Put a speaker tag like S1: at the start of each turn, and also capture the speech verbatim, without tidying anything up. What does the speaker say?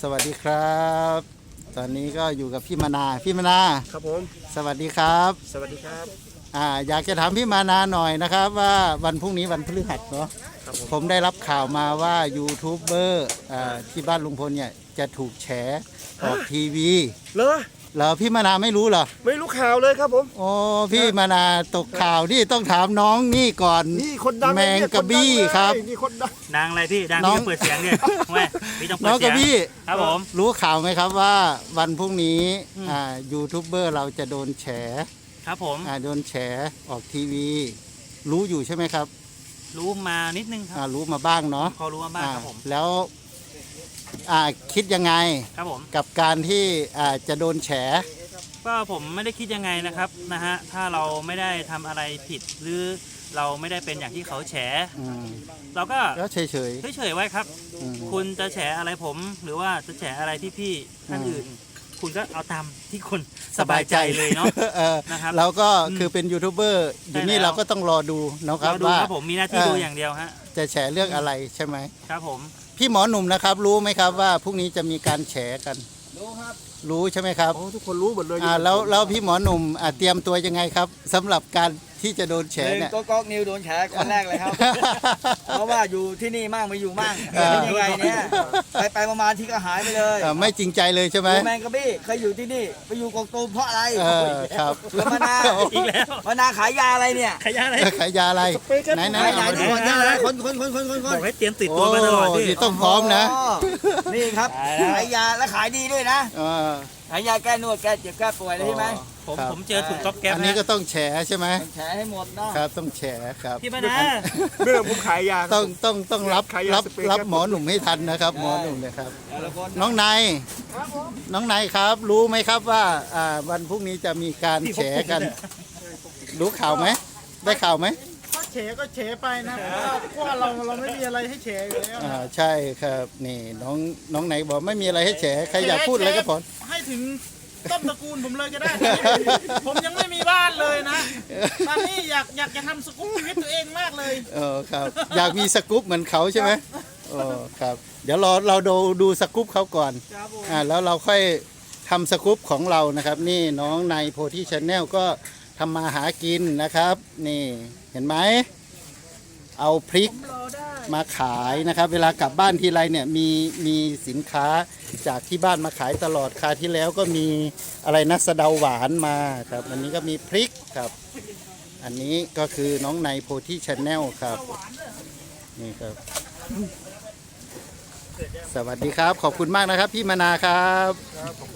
S1: สวัสดีครับ ตอนนี้ก็อยู่กับพี่มานาพี่มานา
S2: ครับผม
S1: สวัสดีครับ
S2: สวัสดีครับ
S1: อ่าอยากจะถามพี่มานาหน่อยนะครับว่าวันพรุ่งนี้วันพฤหัสเนาะผมได้รับข่าวมาว่ายูทูบเบอร์ที่บ้านลุงพลเนี่ยจะถูกแฉออกทีวี
S2: เหรอ
S1: เหรอพี่มานาไม่รู้เหรอ
S2: ไม่รู้ข่าวเลยครับผม
S1: โอ้พี่มานาตกข่าวที่ต้องถามน้องนี่ก่อน
S2: นี่คนดัง
S1: แมงกะบี้ครับ
S2: นี่คนดัง
S3: ดังอะไรพี่ดังพี่ต้องเปิดเสียงเนี่ยแม่พี่ต้องเปิด
S1: น้อง
S3: เสี
S1: กะ
S3: ยง
S1: บี้
S3: ครับผม
S1: รู้ข่าวไหมครับว่าวันพรุ่งนี้อ่ายูทูบเบอร์เราจะโดนแฉ
S3: ครับผม
S1: อ่าโดนแฉออกทีวีรู้อยู่ใช่ไหมครับ
S3: รู้มานิดนึงครั
S1: บรู้มาบ้างเนาะ
S3: พอรู้มาบ้างครับผม
S1: แล้วอ่าคิดยังไง
S3: ครับผม
S1: กับการที่อ่าจะโดนแฉ
S3: ก็ผมไม่ได้คิดยังไงนะครับนะฮะถ้าเราไม่ได้ทำอะไรผิดหรือเราไม่ได้เป็นอย่างที่เขาแฉเราก็
S1: เฉยเฉย
S3: เฉยๆไว้ครับคุณจะแฉอะไรผมหรือว่าจะแฉอะไรพี่ๆท่านอื่นคุณก็เอาตามที่คุณสบายใจเลยเนาะ
S1: นะครับเราก็คือเป็นยูทูบเบอร์อยู่นี่เราก็ต้องรอดูนะครับว่า
S3: ผมมีหน้าที่ดูอย่างเดียวฮะ
S1: จะแฉเรื่องอะไรใช่ไหม
S3: ครับผม
S1: พี่หมอหนุ่มนะครับรู้ไหมครับว่าพรุ่งนี้จะมีการแฉกัน
S2: รู้ครับ
S1: รู้ใช่ไหมครับ
S2: โอ้ทุกคนรู้หมดเลย
S1: อ่าแล้วแล้วพี่หมอหนุ่มเตรียมตัวยังไงครับสำหรับการที่จะโดนแฉเนี่ย
S4: ก็ก๊อกนิวโดนแฉคนแรกเลยครับเพราะว่าอยู่ที่นี่มั่งไม่อยู่มั่งเป็นยังไงเนี่ยไปไปมาที่ก็หายไปเลย
S1: ไม่จริงใจเลยใช่ไหม
S4: แมงกะบี้เคยอยู่ที่นี่ไปอยู่กองตูมเพราะอะไร
S1: ครับ
S4: แล้วมานา
S3: อีกแล้ว
S4: มานาขายยาอะไรเนี่ย
S3: ขายยาอะไร
S1: ขายยาอะไรไหนไหน
S4: ไหนทุกคนยาอะไรคนคนคนคนคนคน
S3: บอกให้เตรียมติดตัวมาตลอดพี่
S1: ต้องพร้อมนะ
S4: นี่ครับขายยาและขายดีด้วยนะขายยาแก้นวดแก้เจ็บแก้ป่วยเลยใช่ไหม
S3: ผมผมเจอถุงก๊อบแก๊บ
S1: อันนี้ก็ต้องแฉใช่ไหม
S4: แฉให้หมดนะครับ
S1: ต้องแฉครับ
S3: พี่มานา
S2: เรื่องผมขายยา
S1: ต้องต้องต้องรับรับรับหมอหนุ่มให้ทันนะครับหมอหนุ่มนะครับน้องนายน้องนายครับรู้ไหมครับว่าวันพรุ่งนี้จะมีการแฉกันรู้ข่าวไหมได้ข่าวไหม
S5: ก็แฉก็แฉไปนะเพราะว่าเราเราไม่มีอะไรให้แฉอยู่แล้ว
S1: อ่าใช่ครับนี่น้องน้องไหนบอกไม่มีอะไรให้แฉใครอยากพูดอะไรก็พอ
S5: ให้ถึงต้นตระกูลผมเลยก็ได้ผมยังไม่มีบ้านเลยนะตอนนี้อยากอยากจะทำสกู๊ปชีวิตตัวเองมากเลย
S1: เออครับอยากมีสกู๊ปเหมือนเขาใช่ไหมโอ้ครับเดี๋ยวเราเราดูดูสกู๊ปเขาก่อนอ่าแล้วเราค่อยทำสกู๊ปของเรานะครับนี่น้องในโพธิชาแนลก็ทำมาหากินนะครับนี่เห็นไหมเอาพริกมาขายนะครับเวลากลับบ้านทีไรเนี่ยมีมีสินค้าจากที่บ้านมาขายตลอดคราวที่แล้วก็มีอะไรนะสะเดาหวานมาครับอันนี้ก็มีพริกครับอันนี้ก็คือน้องในโพธิชาแนลครับนี่ครับสวัสดีครับขอบคุณมากนะครับพี่มนาครับ